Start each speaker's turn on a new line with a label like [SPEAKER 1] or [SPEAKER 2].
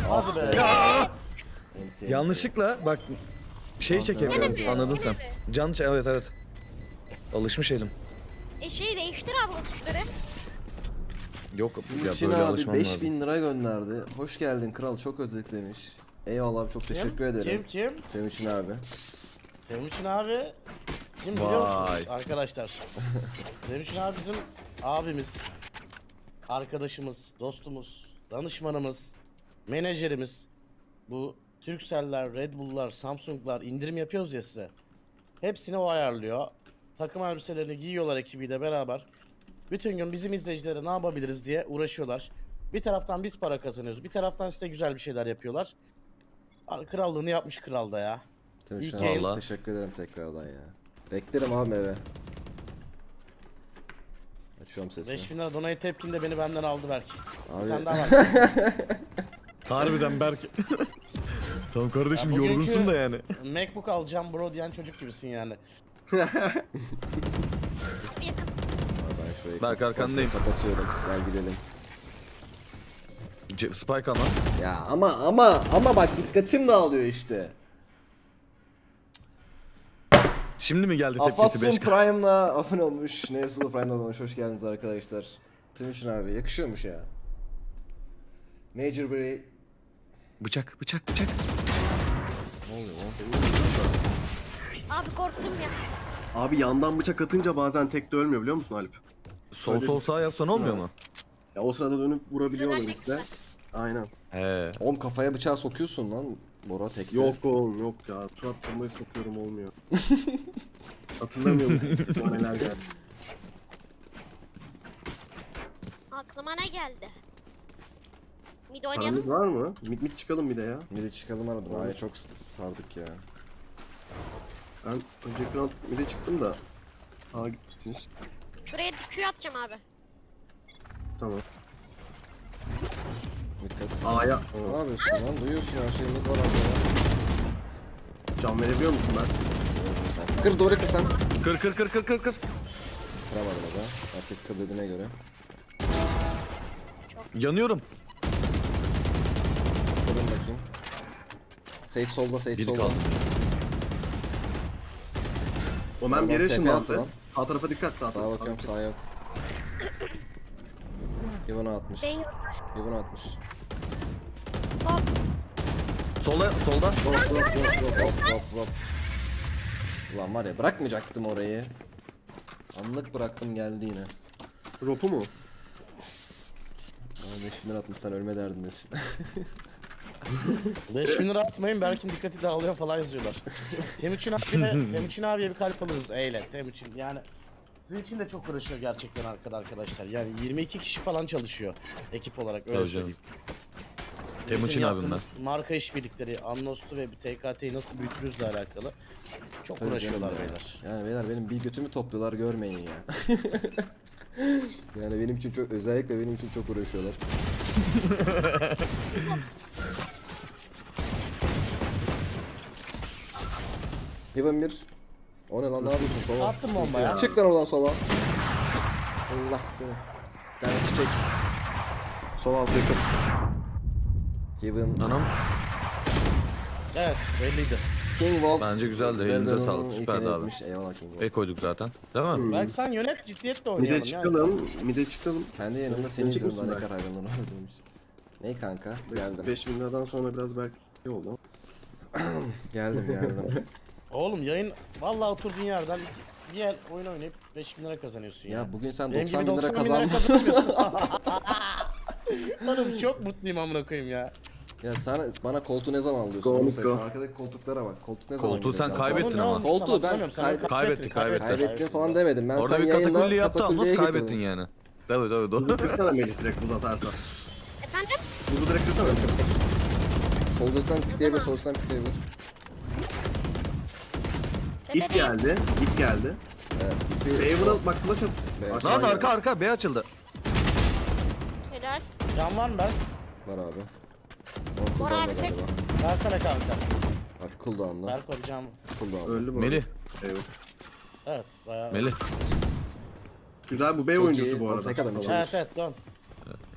[SPEAKER 1] Hadi be.
[SPEAKER 2] Yanlışlıkla bak şey çekemiyorum.
[SPEAKER 3] mi?
[SPEAKER 2] Anladın
[SPEAKER 3] Yine
[SPEAKER 2] sen.
[SPEAKER 3] mi?
[SPEAKER 2] Evet. Alışmış elim.
[SPEAKER 3] Şeyi değiştir abi o tuşları.
[SPEAKER 2] Yok ya
[SPEAKER 4] Çin
[SPEAKER 2] böyle
[SPEAKER 4] abi
[SPEAKER 2] alışmam lazım.
[SPEAKER 4] 5000 lira gönderdi. Hoş geldin kral, çok özlemiş. Eyvallah abi, çok teşekkür ederim.
[SPEAKER 1] Kim?
[SPEAKER 4] Temuçin abi.
[SPEAKER 1] Temuçin abi. Kim biliyor
[SPEAKER 2] Vay.
[SPEAKER 1] musunuz arkadaşlar? Temuçin abi bizim abimiz, arkadaşımız, dostumuz, danışmanımız, menajerimiz. Bu Turkcell'ler, Red Bull'lar, Samsung'lar indirim yapıyoruz ya size. Hepsini o ayarlıyor. Takım elbiselerini giyiyorlar ekibiyle beraber. Bütün gün bizim izleyicilere ne yapabiliriz diye uğraşıyorlar. Bir taraftan biz para kazanıyoruz. Bir taraftan size güzel bir şeyler yapıyorlar. Krallığını yapmış kralda ya.
[SPEAKER 4] Temuçin
[SPEAKER 1] İyi
[SPEAKER 4] abi
[SPEAKER 1] ki-
[SPEAKER 2] Vallahi.
[SPEAKER 4] teşekkür ederim tekrardan ya. Beklerim abi eve. Açıyorum sesini.
[SPEAKER 1] 5000 lira donayı tepkinde beni benden aldı belki. Bir
[SPEAKER 4] Abi
[SPEAKER 1] tane daha var.
[SPEAKER 2] Harbiden Berk. Tamam kardeşim
[SPEAKER 1] Ya bugünkü-
[SPEAKER 2] yorgunsun da yani.
[SPEAKER 1] Macbook alacağım bro diyen çocuk gibisin yani.
[SPEAKER 3] Bir yakın.
[SPEAKER 4] ben şurayı
[SPEAKER 2] Berk, arkandayım.
[SPEAKER 4] kapatıyorum. Gel gidelim.
[SPEAKER 2] Spike ama.
[SPEAKER 4] Ya ama bak dikkatim dağılıyor işte.
[SPEAKER 2] Şimdi mi geldi tepkisi
[SPEAKER 4] Afatsun
[SPEAKER 2] 5?
[SPEAKER 4] Prime'la abone olmuş. Nevzul Prime'la abone olmuş. Hoş geldiniz arkadaşlar. Timuçin abi yakışıyormuş ya. Major Bray.
[SPEAKER 2] Bıçak.
[SPEAKER 4] Ne oluyor lan?
[SPEAKER 3] Abi korktum ya.
[SPEAKER 5] Abi yandan bıçak atınca bazen tek de ölmüyor biliyor musun Alp?
[SPEAKER 2] Sol sağ yapsan olmuyor mu?
[SPEAKER 5] Ya o sırada dönüp vurabiliyorlar
[SPEAKER 3] Dönermek
[SPEAKER 5] ilk de. Aynen.
[SPEAKER 2] He.
[SPEAKER 4] Oğlum kafaya bıçağı sokuyorsun lan. Bora tekte.
[SPEAKER 5] Yok oğlum yok ya. Surat bombayı sokuyorum olmuyor. Hatırlamıyorum. Bana neler geldi.
[SPEAKER 3] Aklıma ne geldi? Mid oynayalım.
[SPEAKER 5] Paramız var mı? Mit çıkalım bir de ya.
[SPEAKER 4] Bir de çıkalım aradım. Ay çok sardık ya.
[SPEAKER 5] Ben önceki round mid'e çıktım da. Aa gittiniz.
[SPEAKER 3] Şuraya Q atacağım abi.
[SPEAKER 5] Tamam.
[SPEAKER 4] Dikkat.
[SPEAKER 5] A'ya.
[SPEAKER 4] Ne yapıyorsun lan? Duyuyorsun her şeyi. Mid var abi ya.
[SPEAKER 5] Can verebiliyor musun ben?
[SPEAKER 4] Kır doğru kır sen.
[SPEAKER 2] Kır.
[SPEAKER 4] Kıramadım o da. Herkes kır dediğine göre.
[SPEAKER 2] Yanıyorum.
[SPEAKER 4] Kırın bakayım. Sage solda, Sage
[SPEAKER 2] Biri
[SPEAKER 4] solda.
[SPEAKER 2] kaldı.
[SPEAKER 5] Omen bir
[SPEAKER 4] Tamam,
[SPEAKER 5] yere
[SPEAKER 4] TP
[SPEAKER 5] ışınlandı.
[SPEAKER 4] attı lan.
[SPEAKER 5] Sağ tarafa dikkat sağ
[SPEAKER 4] Sağa
[SPEAKER 5] tarafa.
[SPEAKER 4] bakıyorum, sağa yok. Yıvına atmış.
[SPEAKER 3] Ben yok.
[SPEAKER 4] Yıvına atmış.
[SPEAKER 3] Hop.
[SPEAKER 2] Solda.
[SPEAKER 4] Hop. Ulan var ya bırakmayacaktım orayı. Anlık bıraktım geldi yine.
[SPEAKER 5] Ropu mu?
[SPEAKER 4] Bana 5000 lira atmışsan ölme derdindesin.
[SPEAKER 1] 5000 lira atmayın Berk'in dikkati dağılıyor falan yazıyorlar. Temuçin abiye bir kalp alırız eyle. Temuçin yani sizin için de çok uğraşıyor gerçekten arkadaşlar. Yani 22 kişi falan çalışıyor ekip olarak öyle
[SPEAKER 2] Tabii
[SPEAKER 1] söyleyeyim.
[SPEAKER 2] Temuçin
[SPEAKER 1] Bizim
[SPEAKER 2] abim
[SPEAKER 1] yaptığımız marka işbirlikleri, Anlos'tu ve TKT'yi nasıl büyütürüzle alakalı çok
[SPEAKER 4] Tabii
[SPEAKER 1] uğraşıyorlar
[SPEAKER 4] canım ya.
[SPEAKER 1] beyler.
[SPEAKER 4] Yani beyler benim bir götümü topluyorlar görmeyin ya. Yani benim için çok, özellikle benim için çok uğraşıyorlar. Yıvın bir. O ne lan, ne yapıyorsun sova?
[SPEAKER 1] Attım bomba ya.
[SPEAKER 4] Çık lan oradan sova. Allah seni. Bir tane çiçek.
[SPEAKER 5] Sol alt yakın.
[SPEAKER 4] Yıvın.
[SPEAKER 2] Anam.
[SPEAKER 1] Evet belliydi.
[SPEAKER 4] King Wolf.
[SPEAKER 2] Bence güzeldi, elinize
[SPEAKER 4] Zeldan'ın
[SPEAKER 2] sağlık,
[SPEAKER 4] ilk
[SPEAKER 2] süperdi
[SPEAKER 4] eli
[SPEAKER 2] abi.
[SPEAKER 4] etmiş. Eyvallah King Wolf.
[SPEAKER 2] E koyduk zaten. Değil mi?
[SPEAKER 1] Belki sen yönet ciddiyetle
[SPEAKER 5] Mid'e
[SPEAKER 1] oynayalım yani.
[SPEAKER 5] çıkalım. Mid'e çıkalım.
[SPEAKER 4] Kendi yanımda seni
[SPEAKER 5] Gelecek
[SPEAKER 4] izliyorum, daha
[SPEAKER 5] misin
[SPEAKER 4] ne kadar hayranlar var demiş. Ne kanka? Geldim.
[SPEAKER 5] 5000 liradan sonra biraz belki iyi oldu.
[SPEAKER 4] Geldim.
[SPEAKER 1] Oğlum yayın vallahi oturduğun yerden bir yer oyun oynayıp 5000 lira kazanıyorsun ya.
[SPEAKER 4] Ya bugün sen
[SPEAKER 1] Benim
[SPEAKER 4] 90
[SPEAKER 1] gibi
[SPEAKER 4] bin lira
[SPEAKER 1] 90 bin lira
[SPEAKER 4] kazandın.
[SPEAKER 1] kazanmıyorsun. Oğlum çok mutluyum amına koyayım ya.
[SPEAKER 4] Ya sana bana koltuğu ne zaman alıyorsun?
[SPEAKER 5] Go,
[SPEAKER 4] Onu söyle.
[SPEAKER 5] go.
[SPEAKER 4] Şu arkadaki koltuklara bak. Koltuk ne zaman
[SPEAKER 2] Koltuğu sen
[SPEAKER 4] geliyor?
[SPEAKER 2] kaybettin
[SPEAKER 1] Oğlum ne
[SPEAKER 2] ama.
[SPEAKER 1] olmuş
[SPEAKER 4] Koltuğu
[SPEAKER 1] tam
[SPEAKER 4] ben
[SPEAKER 1] hatırlamıyorum. Sen
[SPEAKER 2] kaybettin.
[SPEAKER 4] Kaybettin falan demedim. Ben
[SPEAKER 2] Orada
[SPEAKER 4] sen
[SPEAKER 2] bir
[SPEAKER 4] yayında
[SPEAKER 2] katakulli yaptı ama
[SPEAKER 4] katakulliye
[SPEAKER 2] kaybettin
[SPEAKER 4] getirdim.
[SPEAKER 2] yani. Tabii.
[SPEAKER 5] Buzu kırsana Melih direkt buz atarsan.
[SPEAKER 3] Efendim?
[SPEAKER 5] Buzu direkt kırsana.
[SPEAKER 4] Soldan pikleyebilir, soldan pikleyebilir.
[SPEAKER 5] İp geldi. İp geldi.
[SPEAKER 4] Evet.
[SPEAKER 5] Favor'ı bak flash at.
[SPEAKER 4] Evet.
[SPEAKER 2] Lan arka B açıldı.
[SPEAKER 3] Helal.
[SPEAKER 1] Can var mı ben?
[SPEAKER 4] Var abi.
[SPEAKER 3] Var abi, tek.
[SPEAKER 4] galiba.
[SPEAKER 1] Versene kanka.
[SPEAKER 4] Bak cooldown'la.
[SPEAKER 1] Ver koyacağım.
[SPEAKER 4] Cooldown'la.
[SPEAKER 5] Öldü bu.
[SPEAKER 2] Melih.
[SPEAKER 5] Evet.
[SPEAKER 1] Evet bayağı.
[SPEAKER 2] Melih.
[SPEAKER 5] Güzel bu B
[SPEAKER 4] Çok
[SPEAKER 5] oyuncusu
[SPEAKER 4] iyi.
[SPEAKER 5] bu arada.
[SPEAKER 4] Tek adam için.
[SPEAKER 1] Evet dön.